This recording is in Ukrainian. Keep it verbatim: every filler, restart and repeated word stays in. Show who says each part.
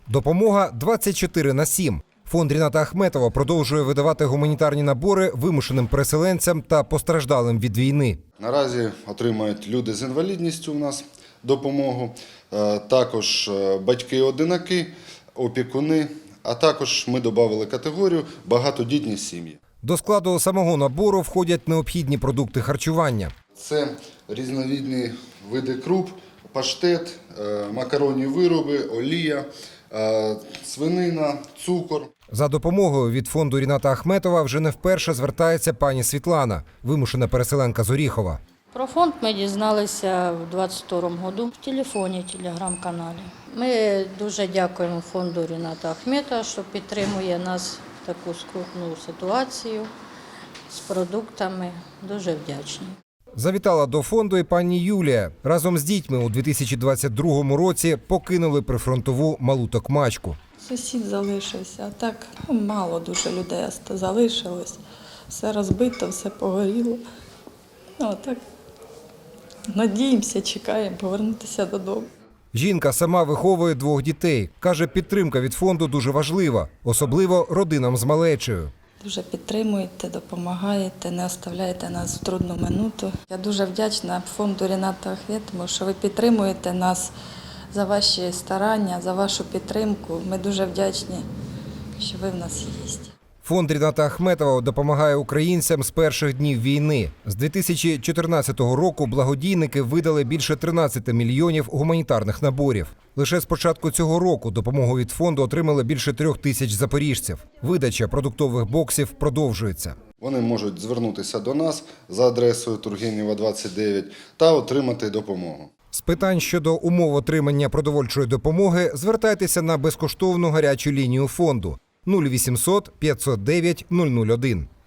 Speaker 1: Допомога двадцять чотири на сім. Фонд Ріната Ахметова продовжує видавати гуманітарні набори вимушеним переселенцям та постраждалим від війни.
Speaker 2: Наразі отримають люди з інвалідністю у нас допомогу, також батьки-одинаки, опікуни, а також ми додали категорію багатодітні сім'ї.
Speaker 1: До складу самого набору входять необхідні продукти харчування.
Speaker 2: Це різновидні види круп, паштет, макаронні вироби, олія, свинина, цукор.
Speaker 1: За допомогою від фонду Ріната Ахметова вже не вперше звертається пані Світлана, вимушена переселенка з Оріхова.
Speaker 3: Про фонд ми дізналися в двадцять другому году в телефоні, телеграм-каналі. Ми дуже дякуємо фонду Ріната Ахметова, що підтримує нас в таку скрутну ситуацію з продуктами. Дуже вдячні.
Speaker 1: Завітала до фонду і пані Юлія. Разом з дітьми у дві тисячі двадцять другому році покинули прифронтову Малу Токмачку.
Speaker 4: Сусід залишився, а так мало дуже людей залишилось. Все розбито, все погоріло. Ну, так надіємося, чекаємо повернутися додому.
Speaker 1: Жінка сама виховує двох дітей. Каже, підтримка від фонду дуже важлива, особливо родинам з малечею.
Speaker 4: Дуже підтримуєте, допомагаєте, не оставляєте нас в трудну минуту. Я дуже вдячна фонду Ріната Ахметова, що ви підтримуєте нас за ваші старання, за вашу підтримку. Ми дуже вдячні, що ви в нас є.
Speaker 1: Фонд Ріната Ахметова допомагає українцям з перших днів війни. З дві тисячі чотирнадцятого року благодійники видали більше тринадцяти мільйонів гуманітарних наборів. Лише з початку цього року допомогу від фонду отримали більше трьох тисяч запоріжців. Видача продуктових боксів продовжується.
Speaker 2: Вони можуть звернутися до нас за адресою Тургенєва, двадцять дев'ять та отримати допомогу.
Speaker 1: З питань щодо умов отримання продовольчої допомоги звертайтеся на безкоштовну гарячу лінію фонду нуль вісімсот п'ятсот дев'ять нуль нуль один.